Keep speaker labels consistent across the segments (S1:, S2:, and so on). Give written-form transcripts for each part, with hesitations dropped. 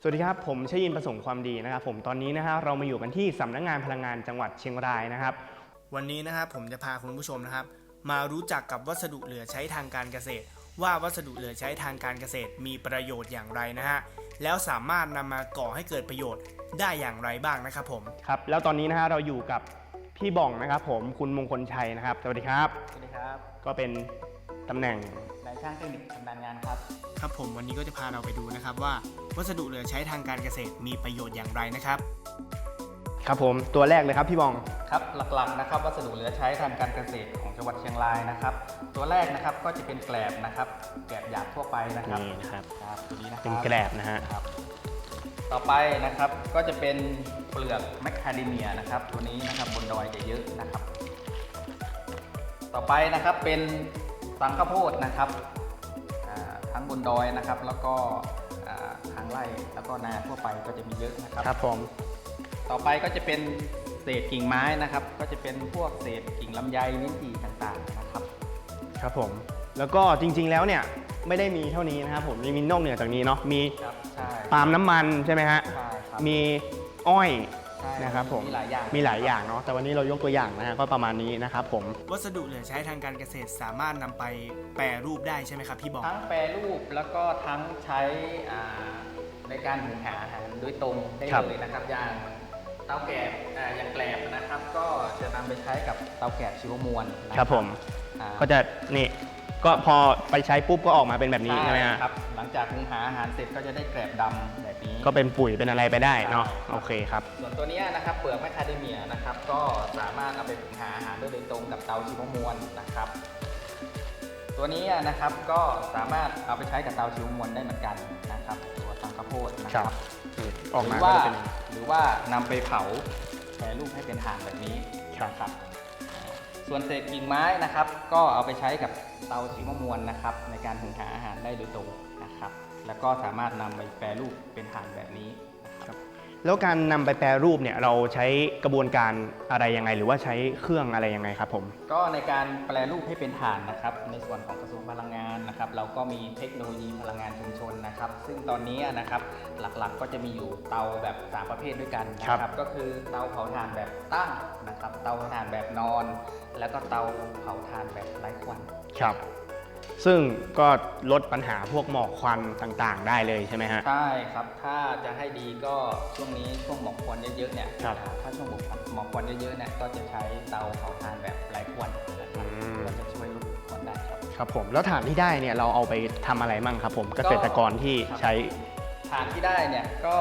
S1: สวัสดีครับผมชยินประสงค์ความดีนะครับผมตอนนี้นะครับเรามาอยู่กันที่สำนักงานพลังงานจังหวัดเชียงรายนะครับวันนี้นะครับผมจะพาคุณผู้ชมนะครับมารู้จักกับวัสดุเหลือใช้ทางการเกษตรว่าวัสดุเหลือใช้ทางการเกษตรมีประโยชน์อย่างไรนะฮะแล้วสามารถนำมาก่อให้เกิดประโยชน์ได้อย่างไรบ้างนะครับผมครับแล้วตอนนี้นะฮะเราอยู่กับพี่บ่องนะครับผมคุณมงคลชัยนะครับสวัสดีครับ
S2: สวัสดีครับ
S1: ก็เป็นตำแหน่ง
S2: นายช่างเทคนิคชำนาญงานครับ
S1: ครับผมวันนี้ก็จะพาเราไปดูนะครับว่าวัสดุเหลือใช้ทางการเกษตรมีประโยชน์อย่างไรนะครับครับผมตัวแรกเลยครับพี่บอง
S2: ครับหลักๆนะครับวัสดุเหลือใช้ทางการเกษตรของจังหวัดเชียงรายนะครับตัวแรกนะครับก็จะเป็นแกลบนะครับแกลบหยาบทั่วไปนะครับ
S1: นี่นะครับ
S2: ตัวนี้นะครับ
S1: เป็นแกลบนะฮะ
S2: ต่อไปนะครับก็จะเป็นเปลือกแมคคาเดเมียนะครับตัวนี้นะครับบนดอยจะเยอะนะครับต่อไปนะครับเป็นสังข้าวโพดนะครับทั้งบนดอยนะครับแล้วก็ทางไร่แล้วก็นาทั่วไปก็จะมีเยอะนะครับ
S1: ครับผม
S2: ต่อไปก็จะเป็นเศษกิ่งไม้นะครับก็จะเป็นพวกเศษกิ่งลำไยลิ้นจี่ต่างๆนะครับ
S1: ครับผมแล้วก็จริงๆแล้วเนี่ยไม่ได้มีเท่านี้นะครับผมมีนอกเหนือจากนี้เนาะมีปาล์มน้ำมันใช่ไหมฮะมีอ้อยนะครับผมมีหลายอย่างเนาะแต่วันนี้เรายกตัวอย่างนะฮะก็ประมาณนี้นะครับผมวัสดุเหลือใช้ทางการเกษตรสามารถนำไปแปรรูปได้ใช่ไหมครับพี่บอก
S2: ทั้งแปรรูปแล้วก็ทั้งใช้ในการหุงหาอาหารโดยตรงได้เลยนะครับอย่างเตาแกบอย่างแกลบนะครับก็จะนำไปใช้กับเตาแกบชีวมวล
S1: ครับผมก็จะนี่ก็พอไปใช้ปุ๊บก็ออกมาเป็นแบบนี้ใช่ไหม
S2: ครับหลังจากหุงหาอาหารเสร็จก็จะได้แกลบดำแบบนี้
S1: ก็เป็นปุ๋ยเป็นอะไรไปได้เนาะโอเคครับ
S2: ส่วนตัวนี้นะครับเปลือกแมคคาเดเมียนะครับก็สามารถเอาไปหุงหาอาหารโดยตรงกับเตาชีวมวลนะครับตัวนี้นะครับก็สามารถเอาไปใช้กับเตาชีวมวลได้เหมือนกันนะครับตัวสังข้าวโพดนะครับ
S1: ออกมา
S2: หรือว่านำไปเผาแปรรูปให้เป็นถ่านแบบนี้ครับส่วนเศษกิ่งไม้นะครับก็เอาไปใช้กับเตาชีวมวลนะครับในการหุงหาอาหารได้โดยตรงนะครับแล้วก็สามารถนำไปแปรรูปเป็นถ่านแบบนี้นะครับ
S1: แล้วการนำไปแปรรูปเนี่ยเราใช้กระบวนการอะไรยังไงหรือว่าใช้เครื่องอะไรยังไงครับผม
S2: ก็ในการแปรรูปให้เป็นถ่านนะครับในส่วนของกระทรวงพลังงานนะครับเราก็มีเทคโนโลยีพลังงานชุมชนนะครับซึ่งตอนนี้นะครับหลักๆก็จะมีอยู่เตาแบบ3ประเภทด้วยกันนะครับก็คือเตาเผาถ่านแบบตั้งนะครับเตาเผาถ่านแบบนอนแล้วก็เตาเผาถ่านแบบไร้ควัน
S1: ครับซึ่งก็ลดปัญหาพวกหมอกควันต่างๆได้เลยใช่ไหมฮะ
S2: ใช่ครับถ้าจะให้ดีก็ช่วงนี้ช่วงหมอกควันเยอะๆเนี่ยถ้าช่วงหมอกควันเยอะๆเนี่ยก็จะใช้เตาเผาถ่านแบบไร้ควันนะครับก็จะช่วยลดควันได้ครับ
S1: ครับผมแล้วถ่านที่ได้เนี่ยเราเอาไปทำอะไรมั่งครับผมเกษตรกรที่ใช้
S2: ถ่านที่ได้เนี่ยก็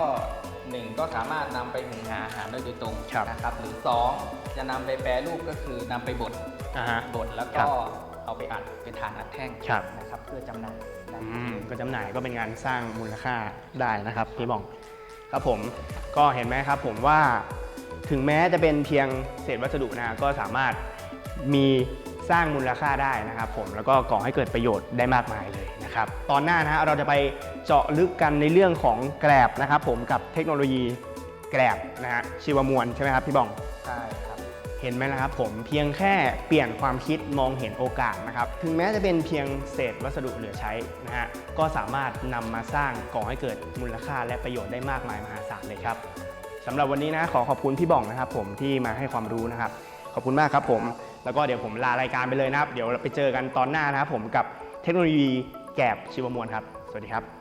S2: 1ก็สามารถนำไปหุงหาอาหารได้โดยตรงนะครับหรือ2จะนำไปแปรรูปก็คือนำไปบดแล้วก็เอาไปอัดเป็นถ่านอัดแท่งนะครับเพื่อจำหน่าย
S1: ก็จำหน่ายก็เป็นงานสร้างมูลค่าได้นะครับพี่บองครับผมก็เห็นไหมครับผมว่าถึงแม้จะเป็นเพียงเศษวัสดุนะก็สามารถมีสร้างมูลค่าได้นะครับผมแล้วก็ก่อให้เกิดประโยชน์ได้มากมายเลยนะครับตอนหน้านะฮะเราจะไปเจาะลึกกันในเรื่องของแกลบนะครับผมกับเทคโนโลยีแกลบนะฮะชีวมวลใช่ไหมครับพี่บอง
S2: ใช่ครับ
S1: เห็นไหมล่ะครับผมเพียงแค่เปลี่ยนความคิดมองเห็นโอกาสนะครับถึงแม้จะเป็นเพียงเศษวัสดุเหลือใช้นะฮะก็สามารถนำมาสร้างก่อให้เกิดมูลค่าและประโยชน์ได้มากมายมหาศาลเลยครับสำหรับวันนี้นะขอบคุณพี่บ่องนะครับผมที่มาให้ความรู้นะครับขอบคุณมากครับผมแล้วก็เดี๋ยวผมลารายการไปเลยนะครับเดี๋ยวเราไปเจอกันตอนหน้านะครับผมกับเทคโนโลยีแกลบชีวมวลครับสวัสดีครับ